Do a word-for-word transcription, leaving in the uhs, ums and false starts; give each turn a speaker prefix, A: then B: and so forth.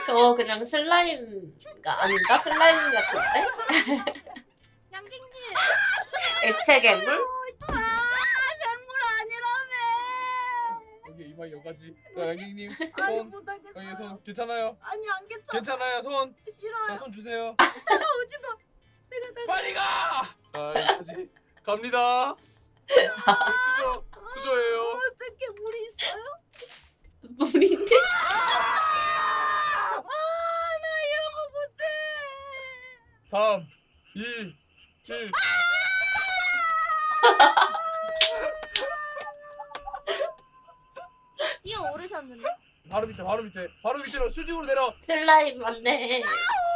A: 저 그냥 슬라임가 아닌가? 슬라임 같은데?
B: 양갱님.
A: 액체 괴물?
B: 아 생물 아니라며.
C: 여기 이마 여기까지. 자, 양갱님
B: 아니
C: 손.
B: 못하겠어.
C: 여기 손 괜찮아요?
B: 아니 안 괜찮아.
C: 괜찮아요 손.
B: 싫어요.
C: 자, 손 주세요.
B: 오지 마. 내가 나.
C: 빨리 가. 자, 여기까지 갑니다. 수저 수저예요.
B: 어떻게 물이 있어요?
A: 물인데?
B: 아 나 이런 거 못해.
C: 삼, 이, 일.
B: 뛰어 오르셨는데?
C: 바로 밑에 바로 밑에 바로 밑으로 수직으로 내려.
A: 슬라임 맞네.